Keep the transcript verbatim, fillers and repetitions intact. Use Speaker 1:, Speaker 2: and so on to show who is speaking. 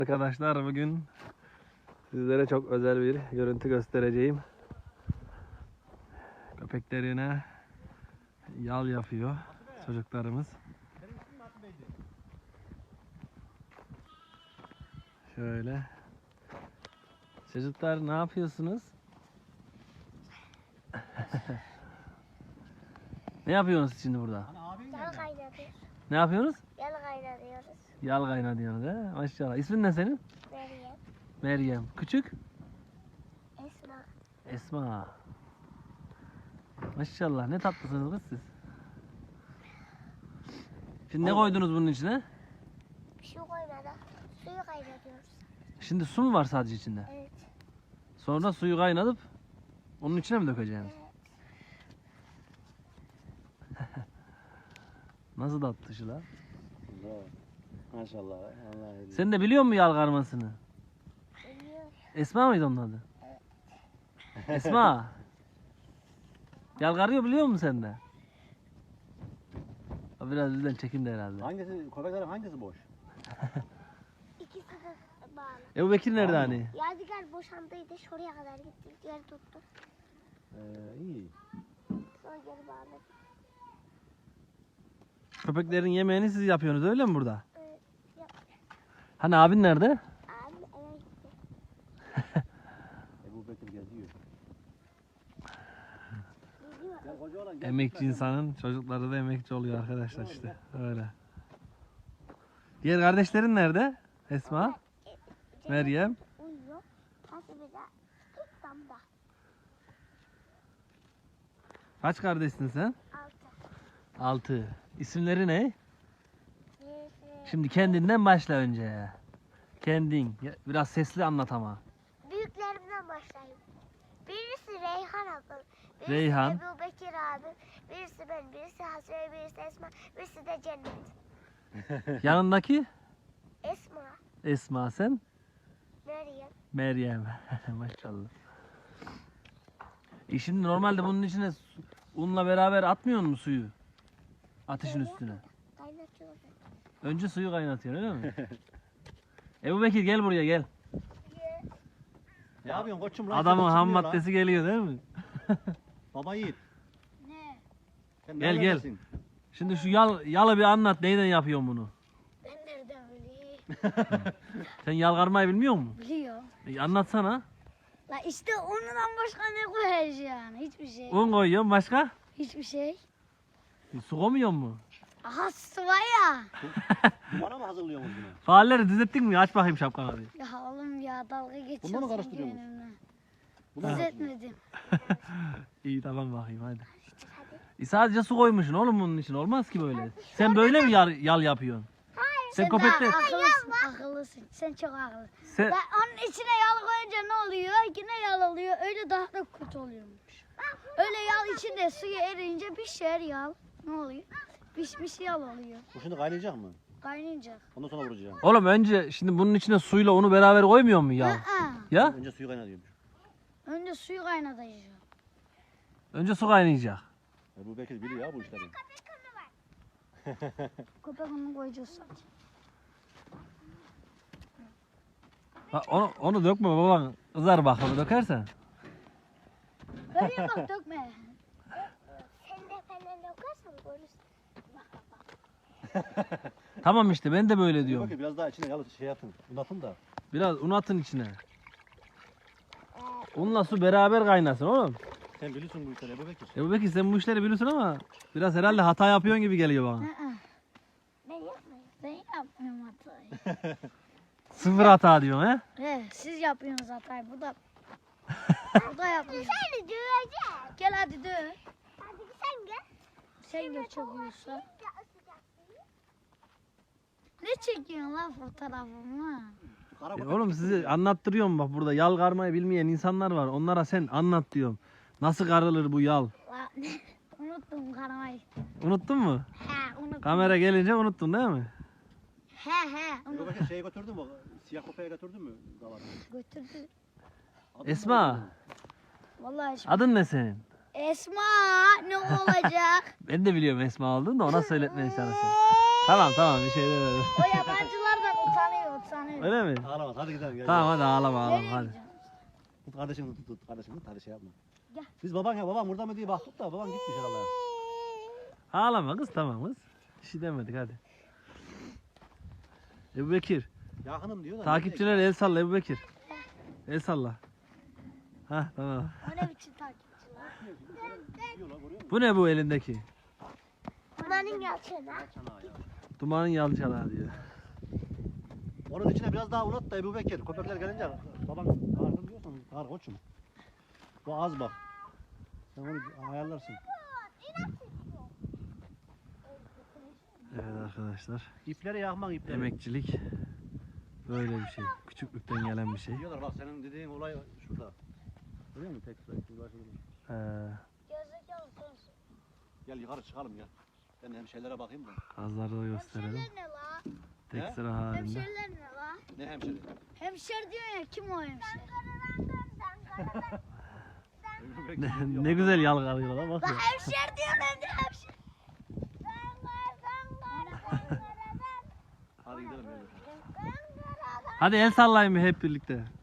Speaker 1: Arkadaşlar bugün sizlere çok özel bir görüntü göstereceğim. Köpeklerine yal yapıyor çocuklarımız. Şöyle. Çocuklar ne yapıyorsunuz? Ne yapıyorsunuz şimdi burada?
Speaker 2: Yal kaynatıyoruz.
Speaker 1: Ne yapıyorsunuz?
Speaker 2: Yal kaynatıyoruz.
Speaker 1: Yal kaynatıyorsunuz he? Maşallah. İsmin ne senin?
Speaker 2: Meryem.
Speaker 1: Meryem. Küçük?
Speaker 2: Esma.
Speaker 1: Esma. Maşallah ne tatlısınız kız siz. Şimdi ne koydunuz bunun içine?
Speaker 2: Su koymadan suyu kaynatıyoruz.
Speaker 1: Şimdi su mu var sadece içinde?
Speaker 2: Evet.
Speaker 1: Sonra suyu kaynatıp onun içine mi dökeceğim?
Speaker 2: Evet.
Speaker 1: Nasıl tatlı şu lan?
Speaker 3: Maşallah. Allah ediyor.
Speaker 1: Sen de biliyor musun yal karmasını?
Speaker 2: Biliyor.
Speaker 1: Esma mıydı onun adı? Esma. Yal karıyor biliyor musun sen de? O biraz bizden çekimde herhalde.
Speaker 3: Hangisi, köpeklerin hangisi boş?
Speaker 2: İkisi de bağlı.
Speaker 1: Ebu Bekir nerede
Speaker 3: Tamam.
Speaker 1: hani?
Speaker 2: Yadigar boşandıydı. Şuraya kadar gittik. Yer tuttu.
Speaker 3: Ee, iyi.
Speaker 2: Sonra geri bağladık.
Speaker 1: Köpeklerin yemeğini siz yapıyorsunuz öyle mi burada?
Speaker 2: Evet. Yap.
Speaker 1: Hani abin nerede?
Speaker 2: Abi eve gitti.
Speaker 3: Ebu Bekir geziyor.
Speaker 2: Gidiyor.
Speaker 3: Ya koca olan gel.
Speaker 1: Emekçi insanın çocukları da emekçi oluyor arkadaşlar işte. Öyle. Diğer kardeşlerin nerede? Esma, Meryem.
Speaker 2: Uyuyor. Hasibe de ilk damda.
Speaker 1: Kaç kardeşsin sen?
Speaker 2: Altı.
Speaker 1: Altı. İsimleri ne?
Speaker 2: Birisi.
Speaker 1: Şimdi kendinden başla önce. Kendin. Ya, biraz sesli anlat ama.
Speaker 2: Büyüklerimden başlayayım. Birisi Reyhan abim. Birisi
Speaker 1: Reyhan.
Speaker 2: Ebu Bekir abim. Birisi ben. Birisi Hasibe. Birisi Esma. Birisi de Cennet.
Speaker 1: Yanındaki?
Speaker 2: Esma.
Speaker 1: Esma sen?
Speaker 2: Meryem.
Speaker 1: Meryem. Maşallah. E şimdi normalde bunun içine su- unla beraber atmıyor musun suyu? Ateşin üstüne.
Speaker 2: Kaynatıyoruz.
Speaker 1: Önce suyu kaynatıyorsun öyle mi? Ebu Bekir gel buraya gel.
Speaker 3: Ne yapıyorsun koçum lan?
Speaker 1: Adamın
Speaker 3: Sen
Speaker 1: ham
Speaker 3: çıkmıyor lan.
Speaker 1: maddesi geliyor değil mi?
Speaker 3: Baba yiğit.
Speaker 2: Ne?
Speaker 3: Sen
Speaker 1: Gel, gel.
Speaker 3: neredesin?
Speaker 1: Şimdi şu yal, yalı bir anlat. Neyden yapıyorsun bunu?
Speaker 2: Ben nereden bileyim?
Speaker 1: Sen yal karmayı bilmiyor musun?
Speaker 2: Biliyor.
Speaker 1: E, anlatsana.
Speaker 2: La işte ondan başka ne koyacaksın? Hiçbir şey.
Speaker 1: Un koyuyorsun başka?
Speaker 2: Hiçbir şey.
Speaker 1: E, su koymuyor mu?
Speaker 2: Aha su var ya.
Speaker 3: Bana mı hazırlıyorsunuz bunu?
Speaker 1: Faalleri düzelttin mi? Aç bakayım şapkanı bir.
Speaker 2: Ya oğlum ya dalga geçiyorsun.
Speaker 3: Bundan mı karıştırıyorsun?
Speaker 2: benimle.
Speaker 3: Bunu mu
Speaker 2: Düzeltmedim.
Speaker 1: İyi tamam bakayım hadi.
Speaker 2: Hadi.
Speaker 1: E, sadece su koymuşsun oğlum bunun için. Olmaz ki böyle. Sen böyle mi yal, yal yapıyorsun? Sen
Speaker 2: Sen daha
Speaker 1: köpekle...
Speaker 2: akıllısın. Akıllısın. Sen çok akıllısın.
Speaker 1: Sen...
Speaker 2: Ben onun içine yağ koyunca ne oluyor? Yine yağ oluyor. Öyle daha da kötü oluyormuş. Öyle yağ içinde suya eriyince pişer yağ. Ne oluyor? Pişmiş yağ oluyor.
Speaker 3: Bu şimdi kaynayacak mı?
Speaker 2: Kaynayacak.
Speaker 3: Ondan sonra vuracağım.
Speaker 1: Oğlum önce şimdi bunun içine suyla onu beraber koymuyor mu yal?
Speaker 2: Aa,
Speaker 1: Ya?
Speaker 3: Önce suyu kaynatıyormuş.
Speaker 2: önce suyu kaynatacağım.
Speaker 1: Önce su kaynayacak.
Speaker 3: Ebu Bekir biliyor ya bu işleri.
Speaker 2: Köpek onu koyacağız sadece.
Speaker 1: Ha, onu, onu dökme baban. Kızar bak onu dökersen.
Speaker 2: Böyle bak dökme. Sen de falan dökersen görürsün.
Speaker 1: Tamam işte ben de böyle
Speaker 3: Ebu
Speaker 1: diyorum.
Speaker 3: Bekir biraz daha içine yalı şey atın. Bunu atın da.
Speaker 1: Biraz un atın içine. Unla su beraber kaynasın oğlum.
Speaker 3: Sen biliyorsun bu işleri Ebu Bekir.
Speaker 1: Ebu Bekir sen bu işleri biliyorsun ama biraz herhalde hata yapıyorsun gibi geliyor bana.
Speaker 2: Aa, ben yapmıyorum. Ben yapmıyorum hatayı.
Speaker 1: Sıfır hata diyorsun he?
Speaker 2: He, siz yapıyorsunuz hatayı. Bu da bu da yapıyor. Seni döveceğim. Gel hadi döv. Hadi sen gel. Sen gel çekiyorsa. Ne çekiyorsun lan fotoğrafımı?
Speaker 3: Kara
Speaker 1: E
Speaker 3: köpek.
Speaker 1: oğlum sizi anlattırıyorum bak burada yal karmayı bilmeyen insanlar var. Onlara sen anlat diyorum. Nasıl karılır bu yal?
Speaker 2: Lan, unuttum karamayı.
Speaker 1: Unuttun mu?
Speaker 2: He unuttum.
Speaker 1: Kamera gelince unuttun değil mi?
Speaker 2: He he
Speaker 3: Ebu
Speaker 2: unuttum.
Speaker 3: Bekir şeyi götürdün mü? Siyah köpeğe götürdün mü? Davarı.
Speaker 2: Götürdü.
Speaker 3: Adını
Speaker 1: Esma.
Speaker 3: götürdün mü?
Speaker 2: Vallahi şimdi.
Speaker 1: Adın ne senin?
Speaker 2: Esma ne olacak?
Speaker 1: Ben de biliyorum Esma olduğunu da ona söyletmeye çalışıyorum. Tamam tamam bir şey demedim.
Speaker 2: O yabancılar da Utanıyor utanıyor.
Speaker 1: Öyle mi?
Speaker 3: Ağlamaz hadi gidelim gel.
Speaker 1: Tamam hadi ağlama ağlama
Speaker 2: Nereye
Speaker 1: hadi.
Speaker 2: gideceğim?
Speaker 3: Tut kardeşini tut tut kardeşini tut hadi şey yapma.
Speaker 2: Gel.
Speaker 3: Biz baban ya babam burada mı diye baktık da babam gitmiş herhalde.
Speaker 1: Ağlama kız tamam kız. Bir şey demedik hadi. Ebu Bekir.
Speaker 3: Yakınım diyor da.
Speaker 1: Takipçiler el salla Ebu Bekir. El salla. Hah tamam.
Speaker 2: O ne biçim takipçiler?
Speaker 1: Bu ne bu elindeki?
Speaker 2: Buranın yalçını.
Speaker 1: Dumanın yalçalağı diyor.
Speaker 3: Onun içine biraz daha unut da Ebu Bekir. Köpekler gelince baban karnım diyorsan kar koçum. Bu az bak. Sen onu ayarlarsın.
Speaker 1: Evet arkadaşlar.
Speaker 3: İpleri yakmak ipleri.
Speaker 1: Emekçilik böyle bir şey. Küçüklükten gelen bir şey.
Speaker 3: Diyorlar bak senin dediğin olay şurada. Görüyor musun tek sıra ikinci başında?
Speaker 1: Ee,
Speaker 2: Gerizekalı sensin.
Speaker 3: Gel yukarı çıkalım gel. Ben hem şeylere bakayım da.
Speaker 1: gazları da gösterelim.
Speaker 2: Hemşeriler ne la?
Speaker 1: Tek
Speaker 3: He?
Speaker 1: sıra halinde.
Speaker 2: Hemşeriler ne la?
Speaker 3: Ne hemşire?
Speaker 2: Hemşer diyor ya kim o hemşer?
Speaker 3: Ebu Bekir
Speaker 1: Ne,
Speaker 3: diyor.
Speaker 1: ne güzel yalgalıyorlar bak
Speaker 2: La
Speaker 1: ya.
Speaker 2: hemşer diyor ne de hemşer.
Speaker 3: Hadi gidelim. Gel.
Speaker 1: Hadi el sallayın bir hep birlikte.